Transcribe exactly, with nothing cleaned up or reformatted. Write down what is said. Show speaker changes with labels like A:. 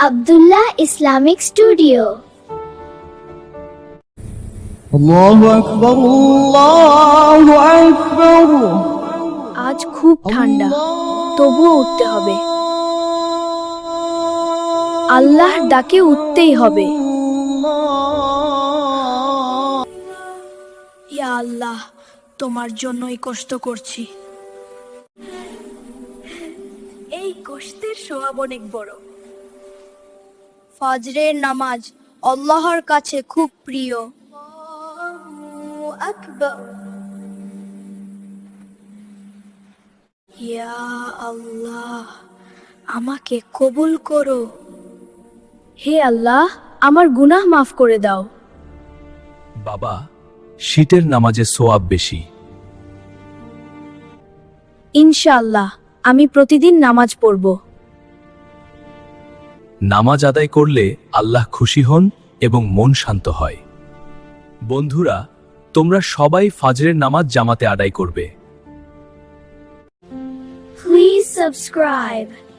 A: Abdullah Islamic studio.
B: আল্লাহু আকবার, আল্লাহু আকবার।
C: আজ খুব ঠান্ডা, তবুও উঠতে হবে। আল্লাহর ডাকে উঠতেই হবে। ইয়া আল্লাহ, তোমার জন্যই কষ্ট করছি। এই কষ্টের সওয়াব অনেক বড়। ফজরের নামাজ আল্লাহর কাছে খুব প্রিয়। আল্লাহু আকবার। ইয়া আল্লাহ, আমাকে কবুল করো। হে আল্লাহ, আমার গুনাহ মাফ করে দাও।
D: বাবা, শীতের নামাজে সোয়াব বেশি।
C: ইনশাআল্লাহ, আমি প্রতিদিন নামাজ পড়ব।
D: নামাজ আদায় করলে আল্লাহ খুশি হন এবং মন শান্ত হয়। বন্ধুরা, তোমরা সবাই ফজরের নামাজ জামাতে আদায় করবে।
A: Please subscribe.